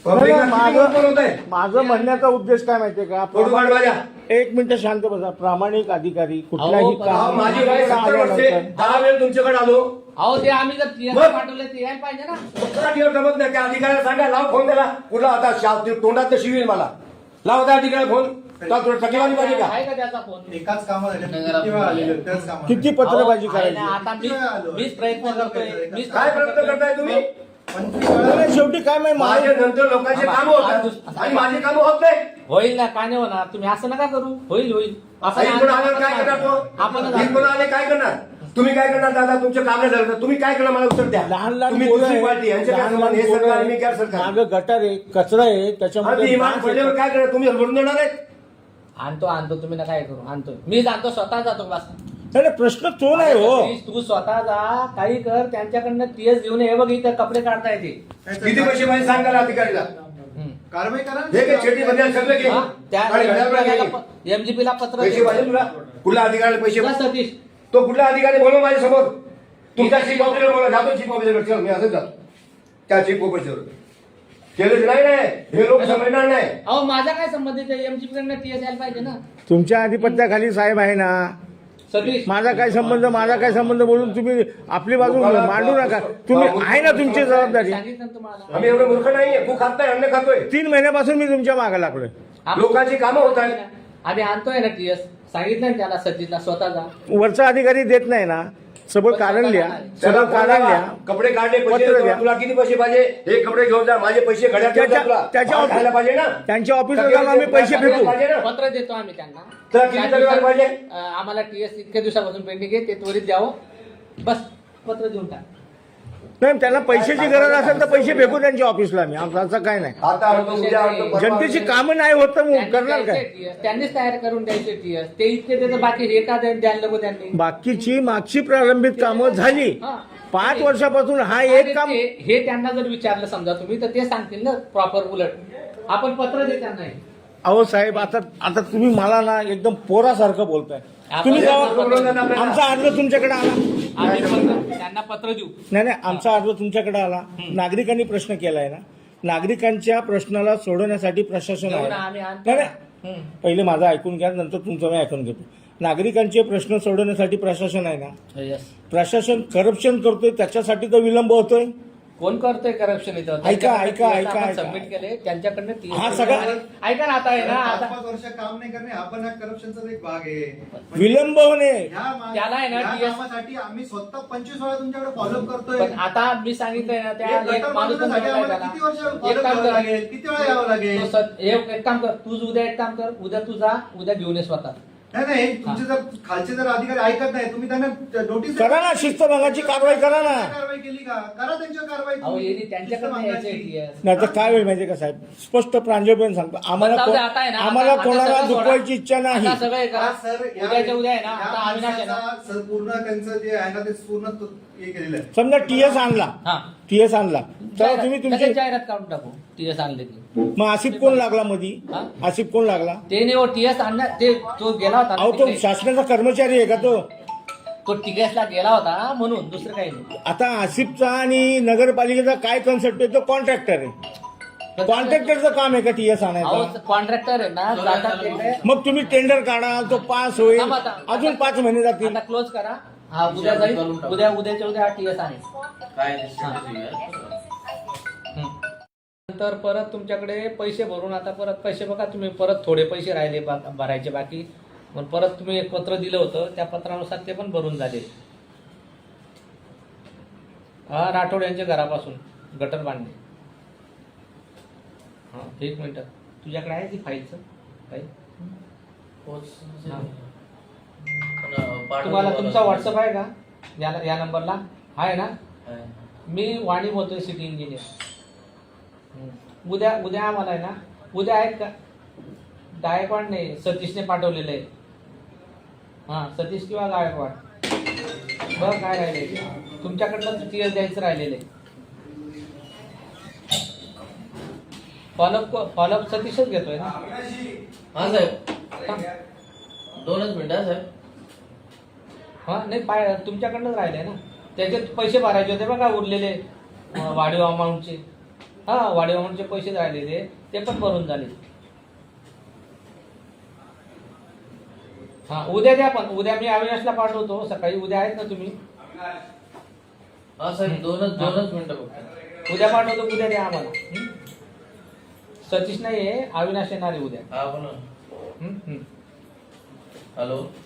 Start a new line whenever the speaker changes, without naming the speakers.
माझं म्हणण्याचा उद्देश काय माहितीये का, एक मिनिट शांत बसा. प्रामाणिक अधिकारी कुठल्याही काम
माझी वय 70 वर्षे 10 वेळ तुमच्याकडे आलो.
अहो ते आम्ही जर पाठवले ते यायला पाहिजे ना.
जमत नाही. त्या अधिकाऱ्याला सांगा लाव फोन त्याला. कुठला आता तोंडात शिवील मला. लाव त्या अधिकाऱ्याला फोन. टकेवारी पाहिजे का?
आहे का त्याचा फोन?
एकाच कामात
किती पत्रबाजी करायची?
आता मीच प्रयत्न करतोय.
काय प्रयत्न करताय तुम्ही?
शेवटी काय माहिती
माझ्या नंतर लोकांचे काम होतात आणि माझे काम होत नाही.
होईल ना, का नाही होणार? तुम्ही असं नका करू. होईल
असं इकडून आल्यावर काय करणार तो?
आपण
इकडून आले काय करणार? तुम्ही काय करणार दादा? तुमच्या कामं झालं तुम्ही काय करणार मला उत्तर द्या.
लहान लहान
तुम्ही दुसरी पार्टी यांच्या काय संबंध? हे सरकार मी काय सरकार?
मागं गटार आहे, कचरा आहे, त्याच्यामध्ये
इमान पडल्यावर काय करणार? तुम्ही हलवून देणार आहेत?
आणतो तुम्ही ना काय करू. आणतो मी जातो, स्वतः जातो. बस
नाही प्रश्न तो नाही हो.
तू स्वतः जा, काही कर. त्यांच्याकडनं टीएस घेऊन ये. बघ इथं कपडे काढता येते.
किती पैसे पाहिजे सांगा अधिकारीला.
कारवाई करा.
हे काय छेटी बंदी सगळं घे.
एमजीपी ला पत्र
पैसे पाहिजे तुला? कुठल्या अधिकाऱ्याला पैसे?
सतीश
तो कुठला अधिकारी बोलव माझ्या समोर. तुमच्या चीफ ऑफिसर बोला. जातो चीफ ऑफिसर. चल मी असंच जातो त्या चीफ ऑफिसर. केलंच नाही हे लोक समजणार नाही.
अहो माझा काय संबंध आहे? एमजीपी कडनं टीएस यायला पाहिजे ना.
तुमच्या आधिपत्याखाली साहेब आहे ना.
सतीश
माझा काय संबंध बोलून तुम्ही आपली बाजू मांडू नका. तुम्ही आहे ना तुमची जबाबदारी.
सांगितलं ना तुम्हाला.
आम्ही एवढं मूर्ख नाहीये. तू खात नाही, अन्न खातोय.
3 महिन्यापासून मी तुमच्या मागे लागलोय.
लोकांची कामं होत आहेत.
आम्ही आणतोय ना टीएस. सांगितलं ना त्याला, सतीशला स्वतः जा.
वरचा अधिकारी देत नाही ना. सगळं कारण लिहा, सगळं कारण लिहा.
कपडे काढले
पत्र
पैसे
द्या.
तुला किती पैसे पाहिजे? हे कपडे घेऊन जा. माझे पैसे घड्यात ठेव जा तुला.
त्याच्या
खायला पाहिजे ना.
त्यांच्या ऑफिसला जाऊन आम्ही पैसे फेकू.
पाहिजे ना.
पत्र देतो आम्ही त्यांना.
तुला किती तक्रार पाहिजे?
आम्हाला टीएस इतक्या दिवसापासून पेंडिंग आहे, ते त्वरित द्यावं. बस पत्र देऊन टाक.
नाही त्यांना पैशाची गरज असेल तर पैसे फेकू त्यांच्या ऑफिसला. मी आमचं काय नाही.
आता आणतो, उद्या आणतो, परवा
जनतेची
आणतो.
कामं नाही होत तर मग
त्यांनी
करणार काय?
द्यायचे TS, त्यांनीच तयार करून द्यायचे टीएस. ते इतके त्याचं बाकी हे का द्यायला नको त्यांनी.
बाकीची मागची प्रलंबित कामं झाली.
हा.
5 वर्षापासून हा एक काम.
हे त्यांना जर विचारलं समजा तुम्ही, तर ते सांगतील ना प्रॉपर. उलट आपण पत्र दे त्यांना.
अहो साहेब आता तुम्ही मला ना एकदम पोरासारखं बोलताय. तुम्ही जेव्हा आमचा अर्ज तुमच्याकडे आला.
आम्ही त्यांना पत्र देऊ.
नाही आमचा अर्ज तुमच्याकडे आला. नागरिकांनी प्रश्न केलाय ना. नागरिकांच्या प्रश्नाला सोडवण्यासाठी प्रशासन आहे.
आम्ही
नाही नाही, पहिले माझं ऐकून घ्या, नंतर तुमचं मी ऐकून घेतो. नागरिकांचे प्रश्न सोडवण्यासाठी प्रशासन आहे ना. प्रशासन करप्शन करतोय त्याच्यासाठी तर विलंब होतोय.
कोण करतोय करप्शन इथं?
ऐका.
सबमिट केले त्यांच्याकडनं
हा सगळा
ऐका ना. आता आहे ना, आता
5 वर्ष काम नाही करणे हा पण करप्शनचा एक भाग आहे.
विलंब होणे.
त्याला आहे ना
कामासाठी आम्ही स्वतः 25 वेळा तुमच्याकडे फॉलोअप करतोय.
पण आता मी सांगितलंय ना, त्या एक माणूस पण
साठी
बोललाय
आम्हाला
त्याला.
किती वर्ष
एक
follow
काम
करावं
कर.
लागेल, किती वेळा यावं लागेल?
एक काम कर, तू उद्या एक काम कर. उद्या तू जा, उद्या घेऊन ये स्वतः.
नाही तुमचे जर खालचे जर अधिकारी ऐकत नाही, तुम्ही त्यांना नोटीस
करा ना. शिस्तभंगाची कारवाई करा ना.
कारवाई केली का? करा त्यांच्यावर कारवाई.
अहो यांनी त्यांच्याकडनं यायचंय TS.
नाही तर काय वेळ माहितीये का साहेब, स्पष्ट प्रांजळपणे सांगतो. आम्हाला
जाऊ दे, आता आहे ना,
आम्हाला
आता
कोणाला
सगळं सोडा.
दुखवायची इच्छा नाही.
आता सगळं हे करा.
सर
उद्याच्या उद्या आहे ना, आता अविनाश आहे ना.
पूर्ण त्यांचं जे आहे ना ते पूर्ण हे केलेलं आहे.
समजा टीएस आणला.
हा.
टीएस आणला तर तुम्ही तुमचे
लगेच जाहिरात काढून टाकू. टीएस आणले की.
मग आसिफ कोण लागला मधी?
हा?
आसिफ कोण लागला?
ते नाही हो, टीएस आणला. ते तो गेला होता ना
अहो तो
तिकडे.
शासनाचा कर्मचारी आहे का तो?
तो टीएस ला गेला होता म्हणून, दुसरं काही नाही.
आता आसिफचा आणि नगरपालिकेचा काय कन्सेप्ट आहे? तो कॉन्ट्रॅक्टर आहे. कॉन्ट्रॅक्टरचं काम आहे का टीएस आणायचं?
कॉन्ट्रॅक्टर आहे ना, जातात तिकडे.
मग तुम्ही टेंडर काढाल, तो पास होईल,
थांबा आता.
अजून 5 महिने जातील.
आता क्लोज करा. हा उद्या जाईल. उद्याच्या उद्या हा टीएस आहे. नंतर परत तुमच्याकडे पैसे भरून, आता परत पैसे बघा तुम्ही, परत थोडे पैसे राहिले भरायचे बाकी. मग परत तुम्ही एक पत्र दिलं होतं, त्या पत्रानुसार ते पण भरून झाले. हा राठोड यांच्या घरापासून गटर बांधणे. हा 1 मिनिट, तुझ्याकडे आहे ती फाईलचं काही? तुम्हाला तुमचा व्हॉट्सअप आहे का या नंबरला? आहे ना. मी वाणी बोलतोय, सिटी इंजिनियर. उद्या आम्हाला आहे ना, उद्या आहेत का? गायकवाड नाही, सतीशने पाठवलेलं आहे. हा सतीश किंवा गायकवाड. बघ काय राहिले तुमच्याकडनं टीएस द्यायचं राहिलेलं आहे. फॉलोअप सतीशच घेतोय ना.
हा साहेब, 2च मिनिटं साहेब.
हा नाही तुमच्याकडनंच राहिले ना. त्याचे पैसे भरायचे होते बघा, उरलेले वाढीव अमाऊंटचे. हा वाढीवामनचे पैसे राहिलेले ते पण भरून झाले. हा उद्या द्या, पण उद्या मी अविनाशला पाठवतो सकाळी. उद्या आहेत ना तुम्ही?
हा साहेब दोनच मिनिटं फक्त.
उद्या पाठवतो, उद्या द्या आम्हाला. सतीश नाही आहे, अविनाश येणार आहे उद्या.
हा बोला.
हम्म.
हॅलो